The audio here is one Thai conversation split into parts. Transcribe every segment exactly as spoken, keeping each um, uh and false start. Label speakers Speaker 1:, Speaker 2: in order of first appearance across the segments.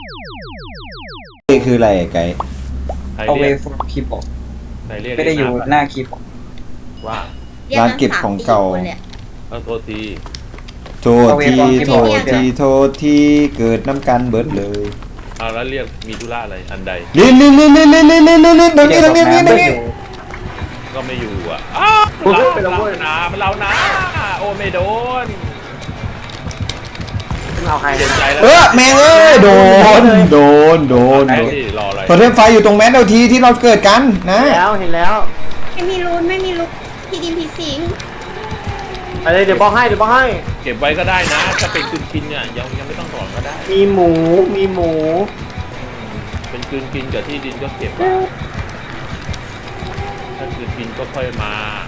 Speaker 1: นี่คืออะไรไก่
Speaker 2: ใคร
Speaker 3: เอาเว
Speaker 2: เรียก
Speaker 3: ฟคีย์บอร์ด
Speaker 2: ใครเรียก
Speaker 3: ไม่ได้อยู่หน้าคีย์บอร์ด
Speaker 2: ว่า
Speaker 1: ร้านเก็บของเก่า
Speaker 2: เอาโทษที
Speaker 1: โทษทีโทษทีโทษทีเกิดน้ำกันเบิดเลย
Speaker 2: เอาแล้วเรียกมีธุระอะไรอันใด
Speaker 1: ลินลินลินลินลินลินลินลินลินตรงนี้ตรงนี้ตรงนี้ตรงนี้
Speaker 2: ก็ไม่อยู่อ่ะอ้าวมันเรามันเรานะมันเรานะโอ้ไม่โดน
Speaker 4: เอาใคร
Speaker 2: เสียใจแล้ว
Speaker 1: เออแม่งเอ้ยโดนโดนโดน
Speaker 2: ไอ้
Speaker 1: โดน
Speaker 2: ที่รออะไร
Speaker 1: โทรเทมไฟอยู่ตรงแมสเอลทีที่เราเกิดกันนะ
Speaker 4: แล้วเห็นแล้ว
Speaker 5: ไม่มีรูนไม่มีลูกพี่ดินพี่สิง
Speaker 4: อะไรเดี๋ยวบอกให้เดี๋ยวบอกให้
Speaker 2: เก็บไว้ก็ได้นะถ้าเป็นกลืนกินเนี่ยยังยังไม่ต้องถอนก็ได้
Speaker 4: มีหมูมีหมู
Speaker 2: เป็นกลืนกินกับที่ดินก็เก็บไว้ถ้ากลืนกินก็ค่อยมา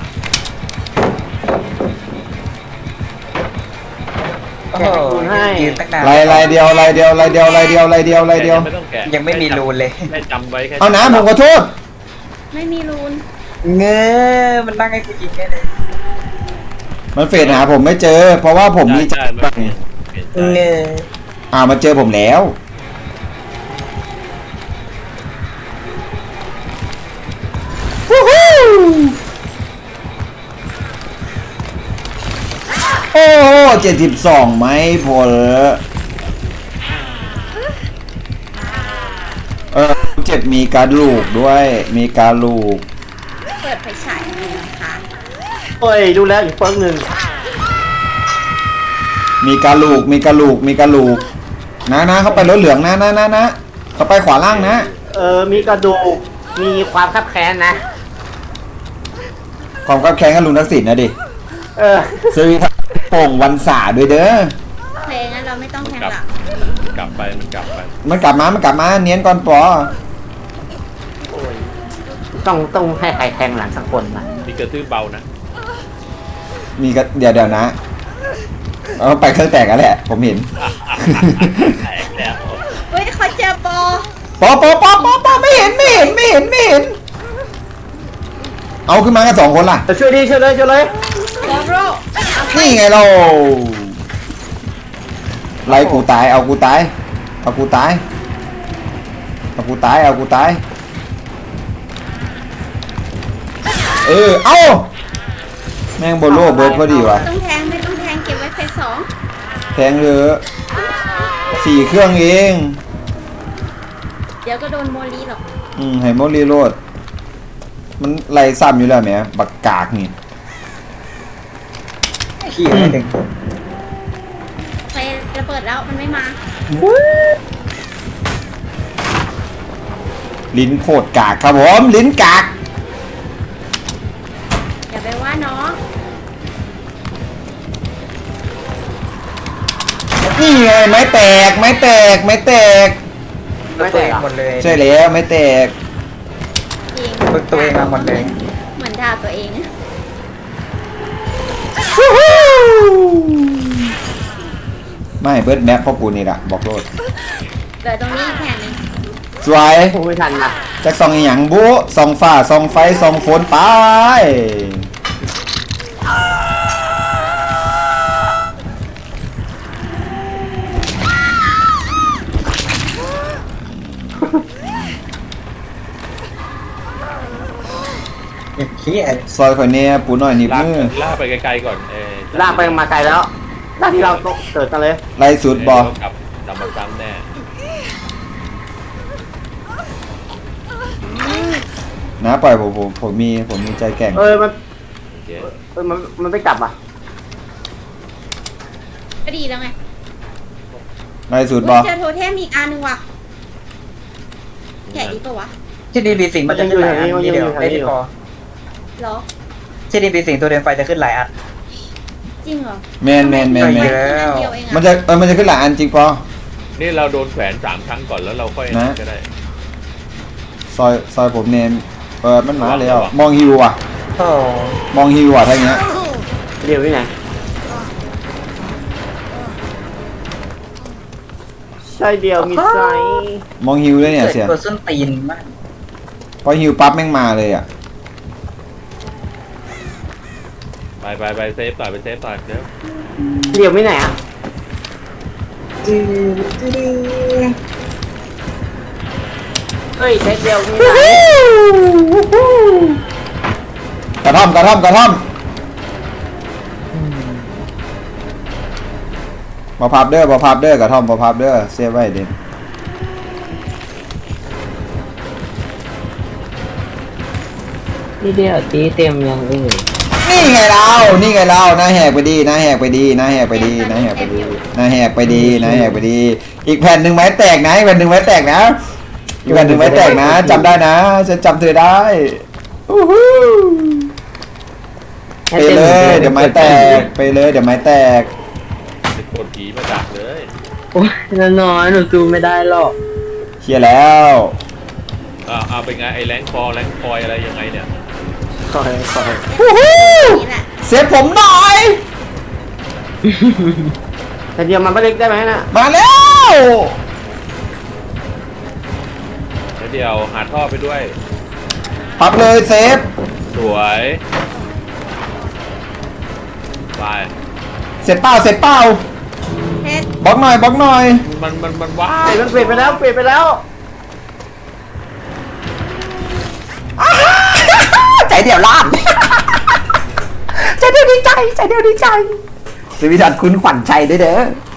Speaker 3: โอ้โหยืนตั้งนาน
Speaker 1: ลายลายเดียวลายเดียวลายเดียวลายเดียวลายเดียวลายเดียว
Speaker 2: ไม่ต้องแกะ
Speaker 3: ยังไม่มีรูนเลย
Speaker 2: แค่จำไว้แค่
Speaker 1: เอานะผมขอโทษ
Speaker 5: ไม่มีรูน
Speaker 3: เงอมันนั่งให้กูยิงแค่เลย
Speaker 1: มันเฟดหาผมไม่เจอ เพราะว่าผมมีใจ
Speaker 2: ใช่ใช่มันเปลี่ยนใจ
Speaker 3: เงอ
Speaker 1: อ่ามาเจอผมแล้วโอ้เจ็ดสิบสองไหมพอลเออเจ็บมีการลูกด้วย มีการลูก
Speaker 5: เปิดไฟฉายให้นะคะ
Speaker 4: เฮ้ยดูแล้วอีกเฟิร์กหนึ่ง
Speaker 1: มีการลูก มีการลูก มีการลูก นะนะเขาไปรถเหลืองนะนะนะนะเขาไปขวาล่างนะ
Speaker 4: เออมีกระดูกมีความคับแค้นนะ
Speaker 1: ความกับแข่งกับลุงทักษิณนะดิ
Speaker 4: เออ
Speaker 1: ซื้อโป่งวันสาด้วยเด้อ
Speaker 5: เพลงนั้นเราไม่ต้องแทง
Speaker 2: กลับ
Speaker 5: หลัง
Speaker 2: กลับไปมันกลับไป
Speaker 1: มันกลับมา มันกลับมา เนียนก่อนปอ
Speaker 4: ต้องต้องให้ใครแทงหลังสักคนมา
Speaker 2: มีกระตื้อเบานะ
Speaker 1: มีก็เดี๋ยวเดี๋ยวนะเอาไปเครื่องแตกกันแหละ ผมเห็น
Speaker 2: แตกแล้ว
Speaker 5: เฮ้ยเขาเจอปอ
Speaker 1: ปอปอปอปอปอไม่เห็นไม่เห็นไม่เห็นไม่เห็น เอาขึ้นมากันสองคนล่ะ
Speaker 4: เออช่วยดิช่วยเลยช่วยเลย
Speaker 5: โกโร่
Speaker 1: นี่ไงเราไล่กูตาย เอากูตาย เอากูตาย เอากูตาย เอากูตาย เออ เอาแม่งโบโลเบิร์ดพอดีว่ะ
Speaker 5: ต้องแทงไม่ต้องแทงเก็บไว้ไฟสอง
Speaker 1: แทงเรือสี่เครื่องเอง
Speaker 5: เดี๋ยวก็โดนโมลีหรอก
Speaker 1: อืมไฮโมรีโรดมันไล่ซ้ำอยู่แล้วแหมบักกากนี่
Speaker 3: ขี้ไม่ถึง
Speaker 5: ไฟระเบิดแล้วมันไม่มา
Speaker 1: ลิ้นโคตรกากครับผม ลิ้นกาก
Speaker 5: อย่าไปว่าน้อง
Speaker 1: นี่ไงไม้แตก ไม้แตก ไม้แตก
Speaker 3: ไม่แตกหมดเลย
Speaker 1: ใช่แล้วไม้แตก
Speaker 5: จริง
Speaker 3: ฝึกตัวเองมาหมดเลย
Speaker 5: เหมือนด่าตัวเอง
Speaker 1: ไม่เบิร์ดแม็กพวกกูนี่แหละบอกโลด
Speaker 5: เกิดตรงนี้อีกแผ่นหนึง
Speaker 1: สวย
Speaker 4: พูดไม่ทันนะ
Speaker 1: จักซองอหย่างบุซองฟ้าซองไฟซองฝนไป
Speaker 3: ขี้ไอ้
Speaker 1: ซอยข่อยเนี่ยปูหน่อยนิบ
Speaker 2: ลาก
Speaker 1: มือ
Speaker 2: ลากไปไกลๆก่อนเออ
Speaker 4: ลากไปมาไกลแล้วลากที่เราเกิดกันเลย
Speaker 1: ไล่สุดบอ
Speaker 2: เยวกลับกลับมาซ้ำแน่
Speaker 1: นะปล่อยผมผมผมมีผมมีใจแกร่ง
Speaker 4: เออมัน
Speaker 2: โอเค
Speaker 4: เออมันมันไม่กลับอ่ะ
Speaker 5: ก็ดีแล้วไง
Speaker 1: ไล่สุดบ
Speaker 5: อุ๊
Speaker 1: อย
Speaker 5: เจอโทเทมอีกอันหนึงว่ะแกะดีปะวะ
Speaker 3: ที่ดีบีสิงมันจะขึ้นหลายอันนี่เดียวได้ที่พอ
Speaker 5: เหรอ
Speaker 3: ที่ดีบีสิงตัวเดินไฟจะขึ้นหลายอัน
Speaker 5: จริงเหรอ
Speaker 1: แมนแมนแมนแม
Speaker 3: ไป
Speaker 1: น
Speaker 3: เยอะ
Speaker 5: เดียวเอง
Speaker 1: มัน
Speaker 5: อะ
Speaker 1: จะเออมันจะขึ้นหลายอันจริงปอ
Speaker 2: นี่เราโดนแขวนสามครั้งก่อนแล้วเราค่อย
Speaker 1: นะ
Speaker 2: ก็ได้
Speaker 1: ซอยซอยผมเนมเออมันมาแล้วมองฮิวอ่ะ
Speaker 3: โอ้
Speaker 1: มองฮิวอ่ะทั้งเนี้ย
Speaker 4: เดี๋ยวนี่ไงใช่เดียวมีไซส์
Speaker 1: มองฮิวเลยเนี่ยเสีย
Speaker 3: ตัวส้นตีนมาก
Speaker 1: พอฮิวปั๊บแม่งมาเลยอ่ะ
Speaker 2: ไปไปไปเซฟต่อยไปเซฟต่อยเดี๋ยว
Speaker 4: เดี๋ยวไม่ไหนอ่ะเฮ้ยเซตเดียวมีไหน
Speaker 1: กระท่อมกระท่อมกระท่อมมาพับเด้อมาพับเด้อกระท่อมมาพับเด้อเซฟไว้เด่น
Speaker 6: นี่เดียวตีเต็มยังเอ้ย
Speaker 1: นี่ไงเรานี่ไงเราหน้าแหกไปดีหน้าแหกไปดีหน้าแหกไปดีหน้าแหกไปดีหน้าแหกไปดีหน้าแหกไปดี อีกแผ่นหนึ่งไม้แตกนะอีกแผ่นหนึ่งไม้แตกนะอีกแผ่นหนึ่งไม้แตกนะจำได้นะฉันจำเธอได้อู้หูไปเลยเดี๋ยวไม้แตกไปเลยเดี๋ยวไม้แตก
Speaker 2: เป็นคนผีมาดักเลย
Speaker 6: โอ้ยน้อยๆหนูซูมไม่ได้หรอก
Speaker 1: เคลียร์แล้ว
Speaker 2: อ่าเอาเป็นไงไอ้แรงคอแรงคอยอะไรยังไงเนี่ย
Speaker 4: คอยคอย
Speaker 1: อู้หู
Speaker 5: นี่แหละ
Speaker 1: เซฟผมหน่อย
Speaker 4: แต่เดียวมันไม่เล็กได้ไหมน่ะ
Speaker 1: มาแล้ว
Speaker 2: แล้วเดี๋ยวหาท่อไปด้วย
Speaker 1: พับเลยเซฟ
Speaker 2: สวยไป
Speaker 1: เสร็จเปล่าเสร็จเปล่า
Speaker 5: เพชร
Speaker 1: บล็อกหน่อยบล็อกหน่อย
Speaker 2: มันมันมันว้า
Speaker 4: เฮ้
Speaker 2: ย
Speaker 4: ยมันเปลี่ยนไปแล้วเปลี่ยนไปแล้ว
Speaker 1: ใจเดียวล้านใจเดียวดีใจใจเดียวดีใจสวิดันคุณขวัญใจด้วยเด้อ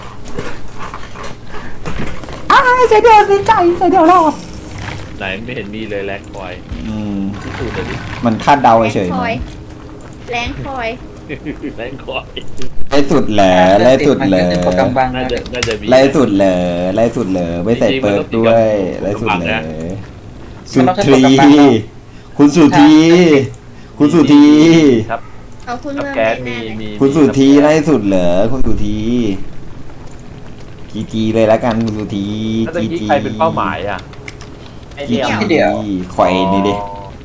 Speaker 1: อ้าใจเดียวดีใจใจเดียวรอด
Speaker 2: ไหนไม่เห็นมีเลยแรงคอย
Speaker 1: อืม
Speaker 2: ที่สุดเลยดิ
Speaker 1: มันคาดเดา
Speaker 5: แรง
Speaker 1: เฉย
Speaker 5: คอยแรงคอย
Speaker 2: แรงคอย
Speaker 1: ไล่สุดเหลอไล่สุดเหลอ
Speaker 3: โปรแกรมบาง
Speaker 2: น่า
Speaker 3: นะ
Speaker 2: จะน่าจะมี
Speaker 1: ไล่สุดเหลอไล่สุดเหลอไม่ใส่เปิดด้วยไล่สุดเหลอสุทรีคุณสุธีคุณสุธี
Speaker 2: ครับ
Speaker 5: เอาคุณ
Speaker 2: กับ
Speaker 5: เมื่อ
Speaker 2: แก๊ส
Speaker 5: แม่
Speaker 2: มี
Speaker 5: เลย
Speaker 2: มี
Speaker 1: คุณสุธีไล่สุดเหลอคุณสุธีจีจีเลยละกันคุณสุธี
Speaker 2: แล้วตะ
Speaker 1: จี
Speaker 2: กี้
Speaker 1: จี
Speaker 2: ใครเป็นเป้าหมายอ่ะ
Speaker 4: ไอ
Speaker 1: จี
Speaker 4: เดียว
Speaker 1: จีข่อยนี่ดิ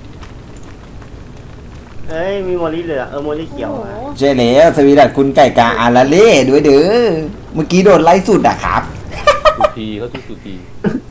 Speaker 4: เอ้ยมีโมลี่เหลือเออโมลี่เขียว
Speaker 5: โอ้โห
Speaker 4: อะ
Speaker 1: ใช่แล้วสวีดัตคุณไก่กาอาราเล่ด้วยเด้อเมื่อกี้โดนไล่สุดอะครับ
Speaker 2: สุธีเขาชื่อสุธี